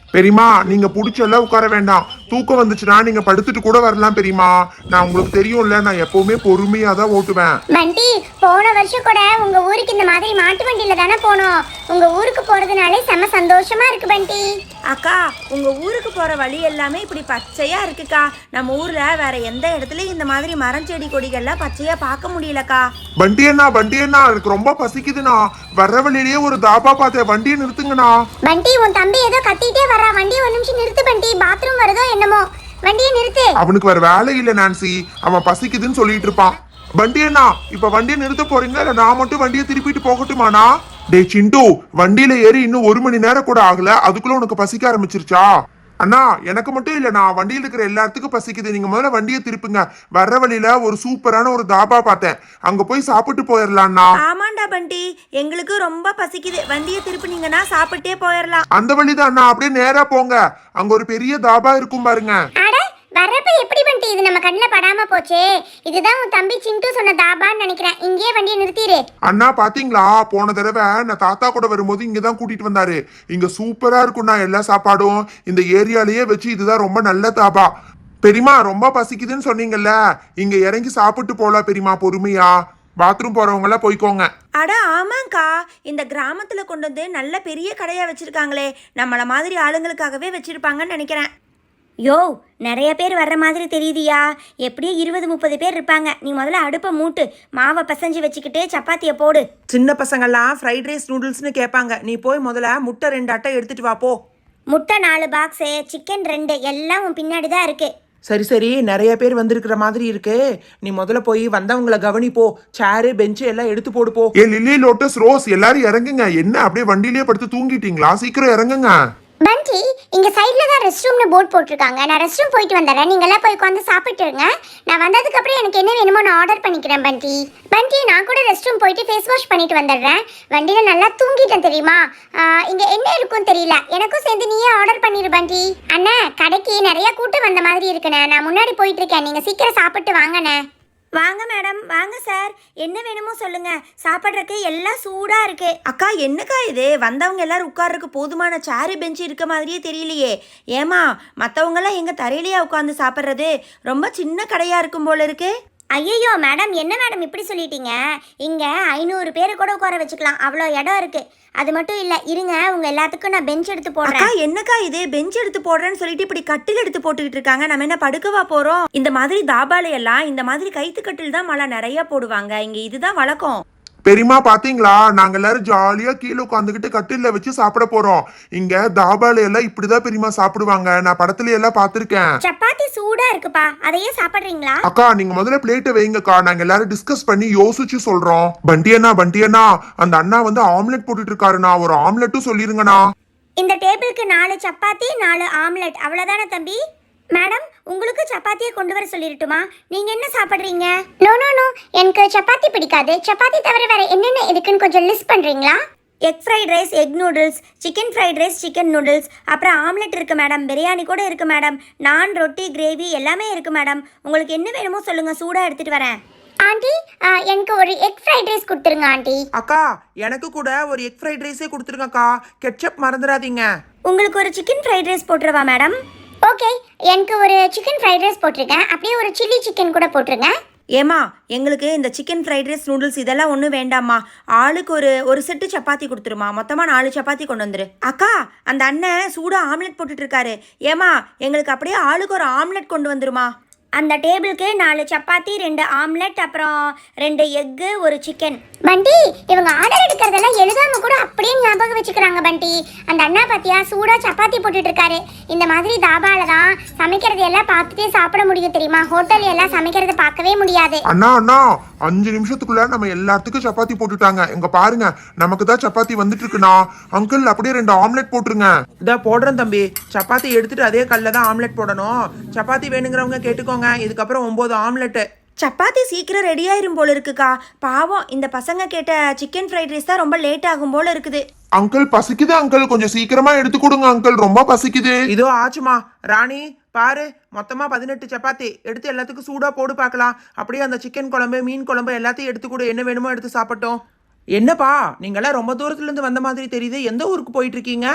பெரியமா நீங்க புடிச்செல்லாம் உட்கார வேண்டாம். தூக்கம் வந்துச்சுன்னா நீங்க படுத்துட்டு கூட வரலாம் பெரியமா. நான் உங்களுக்கு தெரியும்ல, நான் எப்பவுமே பொறுமையா தான் ஓட்டுவேன். பண்டி, போன வருஷம் கூட உங்க ஊருக்கு இந்த மாதிரி மாட்டு வண்டியில தானே போனோம். உங்க ஊருக்கு போறதுனாலே செம சந்தோஷமா இருக்கு பண்டி. அக்கா, உங்க ஊருக்கு போற வழி எல்லாமே இப்படி பச்சையா இருக்குக்கா. நம்ம ஊர்ல வேற எந்த இடத்துலயும் இந்த மாதிரி மரம் செடி கொடிகள்லாம் பச்சையா பார்க்க முடியலக்கா. வண்டி அண்ணா எனக்கு ரொம்ப பசிக்குதுண்ணா. வர்ற வழியிலேயே ஒரு தாபா பார்த்தேன், வண்டியை நிறுத்துங்கண்ணா. பண்டி, உன் தம்பி ஏதோ கத்திட்டே வரா. வண்டியை ஒரு நிமிஷம் நிறுத்து பண்டி. பாத்ரூம் வருதோ என்னமோ. வண்டியை நிறுத்து. அவனுக்கு வேற வேலை இல்ல நான்சி, அவன் பசிக்குதுன்னு சொல்லிட்டு இருப்பான். வண்டி அண்ணா, இப்ப வண்டியை நிறுத்த போறீங்களா இல்ல நான் மட்டும் வண்டியை திருப்பிட்டு போகட்டுமாண்ணா? டே சிண்டு, வண்டியில ஏறி இன்னும் 1 மணி நேரம் கூட ஆகல, அதுக்குள்ள உனக்கு பசிக்க ஆரம்பிச்சிருச்சா? அண்ணா எனக்கு மட்டும் இல்லண்ணா, வண்டியில இருக்கிற எல்லாத்துக்கும் பசிக்குது. நீங்க முதல்ல வண்டியை திருப்புங்க. வர்ற வழியில ஒரு சூப்பரான ஒரு தாபா பார்த்தேன், அங்க போய் சாப்பிட்டு போயிடலாம்ண்ணா. ஆமாண்டா பண்டி, எங்களுக்கு ரொம்ப பசிக்குது. வண்டியை திருப்பினீங்கன்னா சாப்பிட்டே போயிடலாம். அந்த வழிதான் அண்ணா, அப்படியே நேரா போங்க. அங்க ஒரு பெரிய தாபா இருக்கும் பாருங்க. அட, வர்றப்ப எப்படி பண்டி இது நம்ம கண்ணில் படாம போச்சே. இதுதான் உன் தம்பி சிண்டு சொன்ன தாபான்னு நினைக்கிறேன். இங்கேயே வண்டியை நிறுத்திடு. அண்ணா பாத்தீங்களா, போன தடவை நான் தாத்தா கூட வரும்போது இங்கதான் கூட்டிட்டு வந்தாரு. இங்க சூப்பரா இருக்கும்ண்ணா எல்லா சாப்பாடும். இந்த ஏரியாலேயே வச்சு இதுதான் ரொம்ப நல்ல தாபா. பெரியமா ரொம்ப பசிக்குதுன்னு சொன்னீங்கல்ல, இங்க இறங்கி சாப்பிட்டு போலாம் பெரியமா, பொறுமையா. பாத்ரூம் போறவங்க எல்லாம் போய்க்கோங்க. அட ஆமாங்கக்கா, இந்த கிராமத்துல கொண்டு வந்து நல்ல பெரிய கடையா வச்சிருக்காங்களே. நம்மள மாதிரி ஆளுங்களுக்காகவே வச்சிருப்பாங்கன்னு நினைக்கிறேன். யோ, நிறைய பேர் வர்ற மாதிரி தெரியுதியா? எப்படியும் 20-30 பேர் இருப்பாங்க. நீ முதல்ல அடுப்பை மூட்டு, மாவை பிசைஞ்சு வச்சுக்கிட்டு சப்பாத்தியை போடு. சின்ன பசங்கள்லாம் ஃப்ரைட் ரைஸ் நூடுல்ஸ்னு கேட்பாங்க. நீ போய் முதல்ல முட்டை 2 அட்டை எடுத்துட்டு வா போ. முட்டை 4 பாக்ஸு, சிக்கன் 2 எல்லாம் உன் பின்னாடி தான் இருக்கு. சரி சரி, நிறைய பேர் வந்திருக்கிற மாதிரி இருக்கு. நீ முதல்ல போய் வந்தவங்கள கவனிப்போ. சேரு பெஞ்சு எல்லாம் எடுத்து போடு போ. ஏ லில்லி, லோட்டஸ், ரோஸ் எல்லாரும் இறங்குங்க. என்ன அப்படியே வண்டியிலேயே படுத்து தூங்கிட்டீங்களா? சீக்கிரம் இறங்குங்க. பண்டி, இங்க சைடுல தான் ரெஸ்ட் ரூம்னு போர்ட் போட்டிருக்காங்க. நான் ரெஸ்ட் ரூம் போயிட்டு வந்துடுறேன். நீங்க எல்லாம் போய் உட்காந்து சாப்பிட்டுருங்க. நான் வந்ததுக்கு அப்புறம் எனக்கு என்ன வேணுமோ நான் ஆர்டர் பண்ணிக்கிறேன். பண்டி பண்டி, நான் கூட ரெஸ்ட் ரூம் போயிட்டு ஃபேஸ் வாஷ் பண்ணிட்டு வந்துடுறேன். வண்டியில நல்லா தூங்கிட்டேன் தெரியுமா? இங்க என்ன இருக்கும் தெரியல. எனக்கும் சேர்ந்து நீயே ஆர்டர் பண்ணிடு பண்டி. அண்ணா, கடைக்கு நிறைய கூட்டம் வந்த மாதிரி இருக்குண்ணே. நான் முன்னாடி போயிட்டு இருக்கேன். நீங்க சீக்கிரம் சாப்பிட்டு வாங்கண்ணே. வாங்க மேடம், வாங்க சார். என்ன வேணுமோ சொல்லுங்க. சாப்பிட்றதுக்கு எல்லாம் சூடா இருக்கு. அக்கா, என்னக்கா இது? வந்தவங்க எல்லாரும் உட்கார்றதுக்கு போதுமான சேரு பெஞ்சு இருக்க மாதிரியே தெரியலையே. ஏமா, மற்றவங்கெல்லாம் எங்க தரையிலேயே உட்காந்து சாப்பிட்றது? ரொம்ப சின்ன கடையா இருக்கும் போல இருக்கு. ஐயோ மேடம், என்ன மேடம் இப்படி சொல்லிட்டீங்க? இங்கே 500 பேரை கூட உட்கார வச்சுக்கலாம், அவ்வளோ இடம் இருக்குது. அது மட்டும் இல்லை, இருங்க உங்கள் எல்லாத்துக்கும் நான் பெஞ்ச் எடுத்து போடுறேன். என்னக்கா இது? பெஞ்ச் எடுத்து போடுறேன்னு சொல்லிட்டு இப்படி கட்டில் எடுத்து போட்டுக்கிட்டு இருக்காங்க. நம்ம என்ன படுக்கவா போகிறோம்? இந்த மாதிரி தாபால எல்லாம் இந்த மாதிரி கைத்து கட்டில் தான் மழை நிறைய போடுவாங்க. இங்கே இதுதான் வழக்கம். பெரியமா பாத்தீங்களா, நாங்க எல்லாரும் ஜாலியா கீழே உட்காந்துக்கிட்டு கட்டில வச்சு சாப்பிட போறோம். இங்க தாபால எல்லாம் இப்படிதான் பெரியமா சாப்பிடுவாங்க. நான் படத்துல எல்லாம் பாத்திருக்கேன். சப்பாத்தி சூடா இருக்குப்பா, அதையே சாப்பிடுறீங்களா? அக்கா, நீங்க முதல்ல பிளேட்டை வைங்கக்கா. நாங்க எல்லாரும் டிஸ்கஸ் பண்ணி யோசிச்சு சொல்றோம். பண்டி அண்ணா, அந்த அண்ணா வந்து ஆம்லெட் போட்டுட்டு இருக்காருண்ணா. ஒரு ஆம்லெட்டும் சொல்லிருங்கண்ணா. இந்த டேபிளுக்கு 4 சப்பாத்தி 4 ஆம்லெட், அவ்வளோதானே தம்பி? மேடம், உங்களுக்கு சப்பாத்தியை கொண்டு வர சொல்லிருட்டுமா? நீங்க என்ன சாப்பிட்றீங்க? நோ நோ நோ, எனக்கு சப்பாத்தி பிடிக்காது. சப்பாத்தி தவிர வேற என்னென்ன இருக்குன்னு கொஞ்சம் லிஸ்ட் பண்றீங்களா? Egg fried rice, egg noodles, chicken fried rice, chicken noodles, அப்புறம் ஆம்லெட் இருக்குது மேடம். பிரியாணி கூட இருக்குது மேடம். நான், ரொட்டி, கிரேவி எல்லாமே இருக்குது மேடம். உங்களுக்கு என்ன வேணுமோ சொல்லுங்கள், சூடாக எடுத்துகிட்டு வரேன். ஆண்டி, எனக்கு ஒரு எக் ஃப்ரைட் ரைஸ் கொடுத்துருங்க ஆண்டி. அக்கா, எனக்கு கூட ஒரு எக் ஃப்ரைட் ரைஸே கொடுத்துருங்கக்கா. கெட்சப் மறந்துடாதீங்க. உங்களுக்கு ஒரு சிக்கன் ஃப்ரைட் ரைஸ் போட்டுருவா மேடம்? ஓகே, எனக்கு ஒரு சிக்கன் ஃப்ரைட் ரைஸ் போட்டிருக்கேன். அப்படியே ஒரு சில்லி சிக்கன் கூட போட்டுருங்க. ஏமா, எங்களுக்கு இந்த சிக்கன் ஃப்ரைட் ரைஸ், நூடுல்ஸ் இதெல்லாம் ஒன்றும் வேண்டாம்மா. ஆளுக்கு ஒரு செட்டு சப்பாத்தி கொடுத்துருமா. மொத்தமாக 4 சப்பாத்தி கொண்டு வந்துரு. அக்கா, அந்த அண்ணன் சூடாக ஆம்லெட் போட்டுட்டு இருக்காரு. ஏமா, எங்களுக்கு அப்படியே ஆளுக்கு ஒரு ஆம்லெட் கொண்டு வந்துருமா. அந்த டேபிளுக்கு 4 சப்பாத்தி 2 ஆம்லெட், அப்புறம் 2 எக்கு, ஒரு சிக்கன். பண்டி, இவங்க ஆர்டர் எடுக்கிறதெல்லாம் எழுதாம கூட அப்படியே ஞாபகம் வச்சுக்கிறாங்க. பண்டி, அந்த அண்ணா பாத்தியா சூடா சப்பாத்தி போட்டுட்டு இருக்காரு. இந்த மாதிரி தாபால தான் சமைக்கிறது எல்லாம் பார்த்துட்டே சாப்பிட முடியும் தெரியுமா? ஹோட்டல் எல்லாம் சமைக்கிறது பார்க்கவே முடியாது. அண்ணா 5 நிமிஷத்துக்குள்ள நம்ம எல்லாத்துக்கும் சப்பாத்தி போட்டுட்டாங்க. இங்க பாருங்க, நமக்கு தான் சப்பாத்தி வந்துட்டு இருக்குண்ணா. அங்கிள், அப்படியே 2 ஆம்லெட் போட்டுருங்க. இதா போடுறேன் தம்பி. சப்பாத்தி எடுத்துட்டு அதே கல்ல தான் ஆம்லெட் போடணும். சப்பாத்தி வேணுங்கிறவங்க கேட்டுக்கோங்க. இதுக்கப்புறம் 9 ஆம்லெட்டு. சப்பாத்தி சீக்கிரம் ரெடி ஆயிரும் போல இருக்குக்கா. பாவம், இந்த பசங்க கேட்ட சிக்கன் ஃப்ரைட் ரைஸ் தான் ரொம்ப லேட் ஆகும் போல இருக்குது. அங்கிள் பசிக்குது அங்கிள், கொஞ்சம் சீக்கிரமா எடுத்து கொடுங்க அங்கிள், ரொம்ப பசிக்குது. இதோ ஆச்சுமா. ராணி பாரு, மொத்தமா 18 சப்பாத்தி எடுத்து எல்லாத்துக்கும் சூடா போடு பார்க்கலாம். அப்படியே அந்த சிக்கன் குழம்பு, மீன் குழம்பு எல்லாத்தையும் எடுத்து கூட என்ன வேணுமோ எடுத்து சாப்பிட்டோம். என்னப்பா, நீங்களாம் ரொம்ப தூரத்துல இருந்து வந்த மாதிரி தெரியுது. எந்த ஊருக்கு போயிட்டு இருக்கீங்க?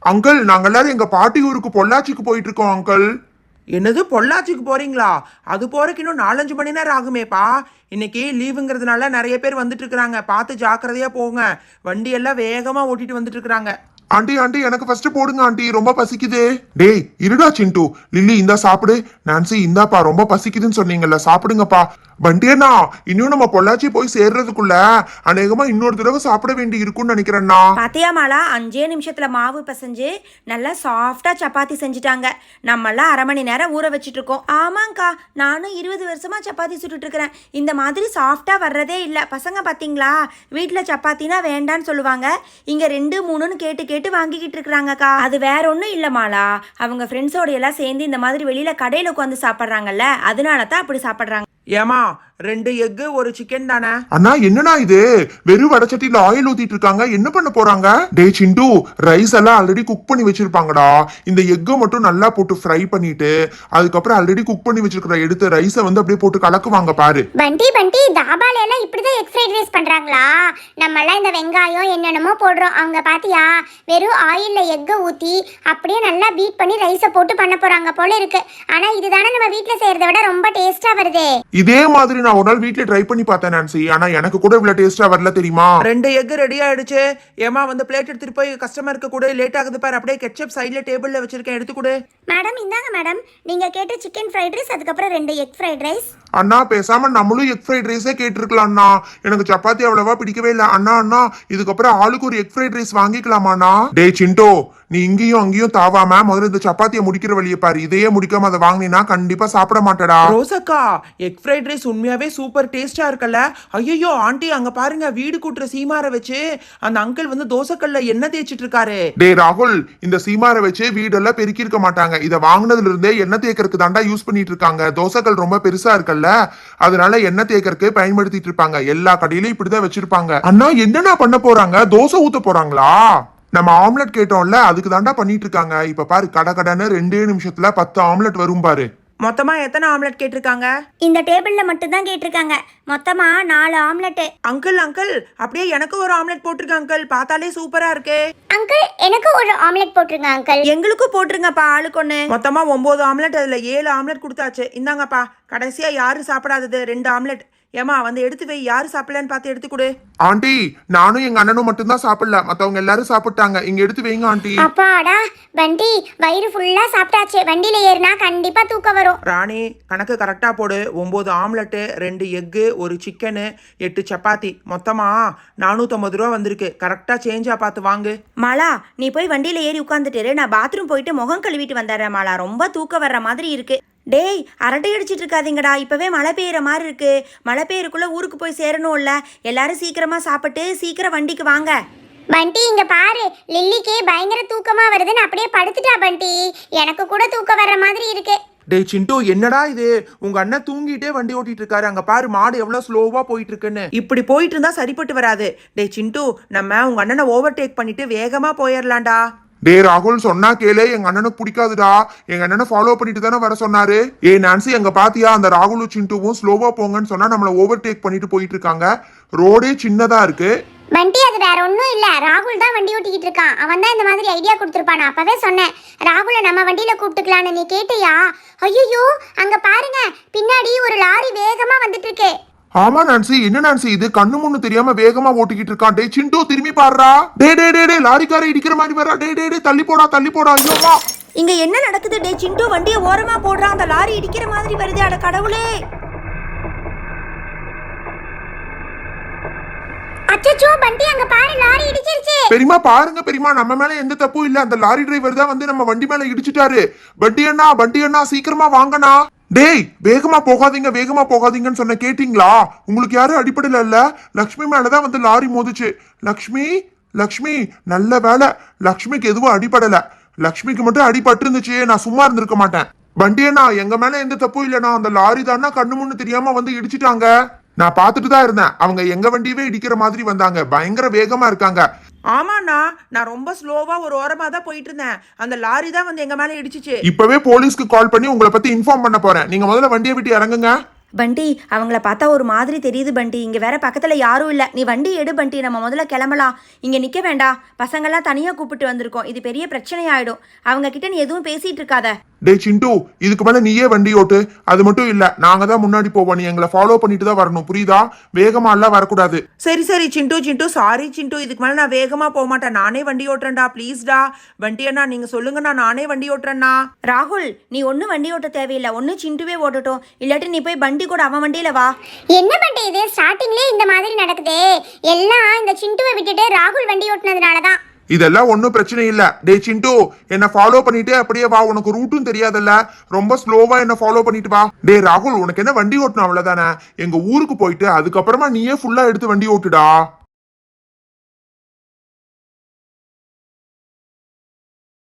அங்கிள் நாங்க எல்லாரும் எங்க பாட்டி ஊருக்கு பொள்ளாச்சிக்கு போயிட்டு இருக்கோம் அங்கிள். என்னது பொள்ளாச்சிக்கு போறீங்களா? அது போறதுக்கு இன்னும் 4-5 மணி நேரம் ஆகுமேப்பா. இன்னைக்கு லீவுங்கிறதுனால நிறைய பேர் வந்துட்டு இருக்கிறாங்க. பார்த்து ஜாக்கிரதையா போங்க. வண்டி எல்லாம் வேகமா ஓட்டிட்டு வந்துட்டு இருக்கிறாங்க. ஆண்டி ஆண்டி எனக்கு ஃபர்ஸ்ட் போடுங்க ஆண்டி, ரொம்ப பசிக்குது. டேய் இருடா சிண்டு. லில்லி இந்தா சாப்பிடு. நான்சி இந்தாப்பா, ரொம்ப பசிக்குதுன்னு சொன்னீங்கல்ல, சாப்பிடுங்கப்பா. பண்டியண்ணா இன்னும் நம்ம பொள்ளாச்சி போய் சேர்றதுக்குள்ள அநேகமா இன்னொரு தடவை சாப்பிட வேண்டி இருக்கும்னு நினைக்கிறேன்னா. பாத்தியா மாலா, 5 நிமிஷத்துல மாவு பிசைஞ்சு நல்லா சாஃப்டா சப்பாத்தி செஞ்சுட்டாங்க. நம்மளாம் 1/2 மணி நேரம் ஊற வச்சுட்டு இருக்கோம். ஆமாங்க்கா, நானும் 20 வருஷமா சப்பாத்தி சுட்டுட்டு இருக்கிறேன். இந்த மாதிரி சாஃப்டா வர்றதே இல்லை. பசங்க பாத்தீங்களா, வீட்டில் சப்பாத்தினா வேண்டான்னு சொல்லுவாங்க. இங்க 2-3ன்னு கேட்டு கேட்டு வாங்கிக்கிட்டு இருக்கிறாங்கக்கா. அது வேற ஒன்றும் இல்லை மாலா, அவங்க ஃப்ரெண்ட்ஸோட எல்லாம் சேர்ந்து இந்த மாதிரி வெளியில கடையில் உட்காந்து சாப்பிட்றாங்கல்ல, அதனால தான் அப்படி சாப்பிட்றாங்க. ஏமா 2 எக்கு 1 சிக்கன் தானே? அண்ணா என்னண்ணா இது, வெறும் வடச்சட்டியில ஆயில் ஊத்திட்டு இருக்காங்க, என்ன பண்ண போறாங்க? டே சிண்டு, ரைஸ் எல்லாம் ஆல்ரெடி குக் பண்ணி வச்சிருப்பாங்கடா. இந்த எக்கை மட்டும் நல்லா போட்டு ஃப்ரை பண்ணிட்டு அதுக்கப்புறம் ஆல்ரெடி குக் பண்ணி வச்சிருக்கிற எடுத்து ரைஸை வந்து அப்படியே போட்டு கலக்குவாங்க பாரு. பண்டி தாபால எல்லாம் இப்படிதான் எக் ஃப்ரைட் ரைஸ் பண்றாங்களா? நம்ம எல்லாம் இந்த வெங்காயம் என்னென்னமோ போடுறோம், அவங்க பாத்தியா வெறும் ஆயில்ல எக்கை ஊத்தி அப்படியே நல்லா பீட் பண்ணி ரைஸை போட்டு பண்ண போறாங்க போல இருக்கு. ஆனா இதுதானே நம்ம வீட்ல செய்யறதை விட ரொம்ப டேஸ்டா வருதே. இதே மாதிரி நான் ஒரு நாள் வீட்ல ட்ரை பண்ணி பார்த்தேன் நான்சி, ஆனா எனக்கு கூட இவ்வளவு டேஸ்டா வரல தெரியுமா. 2 எக்கு ரெடி ஆயிடுச்சு. ஏமா வந்து பிளேட் எடுத்துட்டு போய் கஸ்டமருக்கு கூட, லேட் ஆகுது பாரு. அப்படியே கெட்சப் சைடுல டேபிள்ல வச்சிருக்கேன், எடுத்து கொடு. மேடம் இந்தாங்க மேடம், நீங்க கேட்ட சிக்கன் ஃப்ரைட் ரைஸ், அதுக்கப்புறம் 2 எக் ஃப்ரைட் ரைஸ். அண்ணா பேசாம நம்மளும் எக் ஃப்ரைட் ரைஸே கேட்டிருக்கலாம் அண்ணா. எனக்கு சப்பாத்தி அவ்வளவா பிடிக்கவே இல்லை. அண்ணா அண்ணா இதுக்கப்புறம் ஆளுக்கு ஒரு எக் ஃப்ரைட் ரைஸ் வாங்கிக்கலாமாண்ணா? டே சிண்டோ, நீ இங்கேயும் அங்கேயும் தாவாம முதல்ல இந்த சப்பாத்தியை முடிக்கிற வழியை பாரு. இதையே முடிக்காம அதை வாங்கினா கண்டிப்பா சாப்பிட மாட்டடா. ரோசக்கா, எக் ஃப்ரைட் ரைஸ் உண்மையாவே சூப்பர் டேஸ்டா இருக்குல்ல. ஐயோ ஆண்டி, அங்க பாருங்க, வீடு கூட்டுற சீமாரை வச்சு அந்த அங்கிள் வந்து தோசைக்கல்ல எண்ணெய் தேய்ச்சிட்டு இருக்காரு. டே ராகுல், இந்த சீமாரை வச்சு வீடெல்லாம் பெருக்கி இருக்க மாட்டாங்க. இதை வாங்கினதுல இருந்தே எண்ணெய் தேய்க்கறதுக்கு தாண்டா யூஸ் பண்ணிட்டு இருக்காங்க. தோசைக்கல் ரொம்ப பெருசா இருக்குல்ல, அதனால எண்ணெய் தேய்க்கறதுக்கு பயன்படுத்திட்டு இருப்பாங்க. எல்லா கடையிலும் இப்படிதான் வச்சிருப்பாங்க. அண்ணா என்னன்னா பண்ண போறாங்க? தோசை ஊத்த போறாங்களா? நம்ம ஆம்லெட் கேட்டோம்ல, அதுக்கு தாண்டா பண்ணிட்டு இருக்காங்க. இப்ப பாரு, கடன்னு 2 நிமிஷத்துல 10 ஆம்லெட் வரும் பாரு. மொத்தமா எத்தனை ஆம்லெட் கேட்டிருக்காங்க? இந்த டேபிள்ல மட்டும் தான் கேட்டிருக்காங்க. மொத்தமா 4 ஆம்லெட். அங்கிள் அங்கிள், அப்படியே எனக்கு ஒரு ஆம்லெட் போட்டிருக்க அங்கிள். பார்த்தாலே சூப்பரா இருக்கு. அங்கிள் எனக்கு ஒரு ஆம்லெட் போட்டுருங்க அங்கிள். எங்களுக்கும் போட்டுருங்கப்பா, ஆளுக்கு ஒண்ணு. மொத்தமா 9 ஆம்லெட், அதுல 7 ஆம்லெட் கொடுத்தாச்சு. இந்தாங்கப்பா, கடைசியா யாரு சாப்பிடாதது 2 ஆம்லெட். ஏமா வந்து எடுத்து வை, யாரு சாப்பிடலன்னு பார்த்து எடுத்து கொடு. ஆண்டி நானும் எங்க அண்ணனும் மட்டும்தான் சாப்பிடல, மத்தவங்க எல்லாரும் சாப்பிட்டாங்க. இங்க எடுத்து வைங்க ஆண்டி. அப்பாடா வண்டி, வயிறு ஃபுல்லா சாப்பிட்டாச்சு. வண்டியில ஏறினா கண்டிப்பா தூக்கம் வரும். ராணி கணக்கு கரெக்டா போடு. 9 ஆம்லெட்டு, 2 எக்கு, 1 சிக்கனு, 8 சப்பாத்தி, மொத்தமா 450 ரூபா வந்திருக்கு. கரெக்டா சேஞ்சா பார்த்து வாங்கு. மாலா, நீ போய் வண்டியில ஏறி உட்காந்துட்டு நான் பாத்ரூம் போயிட்டு முகம் கழுவிட்டு வந்துடுறேன் மாலா. ரொம்ப தூக்கம் வர்ற மாதிரி இருக்கு. டேய், அரட்டை அடிச்சிட்டு இருக்காதீங்கடா, இப்பவே மழை பெய்யுற மாதிரி இருக்கு. மழை பெய்யறதுக்குள்ள ஊருக்கு போய் சேரணும்ல. எல்லாரும் சீக்கிரமா சாப்பிட்டு சீக்கிரம் வண்டிக்கு வாங்க. பண்டி இங்க பாரு, லில்லிக்கு பயங்கர தூக்கமா வருதுன்னு அப்படியே படுத்துட்டா பண்டி. எனக்கு கூட தூக்கம் வர்ற மாதிரி இருக்கு. டே சிண்டு, என்னடா இது, உங்க அண்ணன் தூங்கிட்டே வண்டி ஓட்டிட்டு இருக்காரு. அங்க பாரு, மாடு எவ்வளவு ஸ்லோவா போயிட்டு இருக்குன்னு. இப்படி போயிட்டு இருந்தா சரிப்பட்டு வராது. டே சிண்டு, நம்ம உங்க அண்ணனை ஓவர்டேக் பண்ணிட்டு வேகமா போயிடலாம்டா. டே ராகுல், சொன்னா கேளு, எங்க அண்ணனுக்கு பிடிக்காதுடா. எங்க அண்ணனை ஃபாலோ பண்ணிட்டு தானே வர சொன்னாரு. ஏ நான்சி, எங்க பாத்தியா, அந்த ராகுலும் சிண்டுவும் ஸ்லோவா போங்கன்னு சொன்னா நம்மள ஓவர்டேக் பண்ணிட்டு போயிட்டு இருக்காங்க. ரோடே சின்னதா இருக்கு. பண்டி அது வேற ஒன்றும் இல்ல, ராகுல் தான் வண்டி ஓட்டிக்கிட்டு இருக்கான். அவன் தான் இந்த மாதிரி ஐடியா கொடுத்துருப்பான். நான் அப்பவே சொன்னேன், ராகுலை நம்ம வண்டியில கூப்பிட்டுக்கலான்னு. நீ கேட்டியா? ஐயோ அங்க பாருங்க, பின்னாடி ஒரு லாரி வேகமா வந்துட்டு இருக்கு. ஆமா நான்சி, என்ன நான்சி இது, கண்ணு முன்னு தெரியாம வேகமா ஓட்டிக்கிட்டு இருக்கான். டே சிண்டு, திரும்பி பாடுறா. டே டே டே டே, லாரிக்காரை இடிக்கிற மாதிரி வரா. டே டே டே, தள்ளி போடா தள்ளி போடா. ஐயோமா, இங்க என்ன நடக்குது? டே சிண்டு, வண்டியை ஓரமா போடுறான். அந்த லாரி இடிக்கிற மாதிரி வருது. அட கடவுளே! அச்சச்சோ பண்டி, அங்க பாரு, லாரி இடிச்சிருச்சு. பெரியமா பாருங்க பெரியமா, நம்ம மேல எந்த தப்பும் இல்ல. அந்த லாரி டிரைவர் தான் வந்து நம்ம வண்டி மேல இடிச்சிட்டாரு. வண்டி அண்ணா சீக்கிரமா வாங்கண்ணா. டேய் வேகமா போகாதீங்க, வேகமா போகாதீங்கன்னு சொன்ன கேட்டீங்களா? உங்களுக்கு யாரும் அடிப்படல இல்ல, லக்ஷ்மி மேலதான் வந்து லாரி மோதிச்சு. லக்ஷ்மி லக்ஷ்மி, நல்ல வேலை, லக்ஷ்மிக்கு எதுவும் அடிபடல. லக்ஷ்மிக்கு மட்டும் அடிபட்டு இருந்துச்சு, நான் சும்மா இருந்திருக்க மாட்டேன். வண்டியண்ணா, எங்க மேல எந்த தப்பும் இல்லைண்ணா. அந்த லாரி தானா கண்ணு முன்னு தெரியாம வந்து இடிச்சிட்டாங்க. நான் பார்த்துட்டு தான் இருந்தேன். அவங்க எங்க வண்டியவே இடிக்கிற மாதிரி வந்தாங்க. பயங்கர வேகமா இருக்காங்க. ஆமாண்ணா, நான் ரொம்ப ஸ்லோவா ஒரு ஓரமா தான் போயிட்டு இருந்தேன். அந்த லாரி தான் வந்து எங்க மேல இடிச்சிச்சு. இப்பவே போலீஸ்க்கு கால் பண்ணி உங்களை பத்தி இன்ஃபார்ம் பண்ண போறேன். நீங்க முதல்ல வண்டியை விட்டு இறங்குங்க. பண்டி அவங்கள பார்த்தா ஒரு மாதிரி தெரியுது பண்டி. இங்கே வேற பக்கத்தில் யாரும் இல்லை. நீ வண்டி எடு பண்டி, நம்ம முதல்ல கிளம்பலாம். இங்கே நிற்க வேண்டாம், பசங்கள்லாம் தனியாக கூப்பிட்டு வந்திருக்கோம். இது பெரிய பிரச்சனை ஆயிடும். அவங்க கிட்ட நீ எதுவும் பேசிட்டு இருக்காத. டேய் சிண்டு, இதுக்கு மேல நீயே வண்டி ஓட்டு. அது மட்டும் இல்ல, நாங்க தான் முன்னாடி போவோம், நீ எங்களை ஃபாலோ பண்ணிட்டு தான் வரணும், புரியுதா? வேகமா எல்லாம் வரக்கூடாது. சரி சரி சிண்டு சாரி சிண்டு, இதுக்கு மேலே நான் வேகமாக போக மாட்டேன். நானே வண்டி ஓட்டுறேன்டா, ப்ளீஸ்டா. வண்டி அண்ணா நீங்கள் சொல்லுங்கண்ணா, நானே வண்டி ஓட்டுறேண்ணா. ராகுல், நீ ஒன்றும் வண்டி ஓட்ட தேவையில்லை. ஒன்று சிண்டுவே ஓட்டட்டும், இல்லாட்டி நீ போய் பண்டி கூட அவன் வண்டியில வா. என்ன பண்டி இது ஸ்டார்டிங்லேயே இந்த மாதிரி நடக்குதே? எல்லாம் இந்த சிண்டுவை விட்டுட்டு ராகுல் வண்டி ஓட்டுனதுனால தான். இதெல்லாம் ஒன்றும் பிரச்சனை இல்ல. டே சிண்டு, என்ன ஃபாலோ பண்ணிட்டு அப்படியே வா. உனக்கு ரூட்டும் தெரியாதல்ல, ரொம்ப ஸ்லோவா என்ன ஃபாலோ பண்ணிட்டு வா. டே ராகுல், உனக்கு என்ன வண்டி ஓட்டணும் அவ்வளவுதானே? எங்க ஊருக்கு போயிட்டு அதுக்கப்புறமா நீயே ஃபுல்லா எடுத்து வண்டி ஓட்டுடா.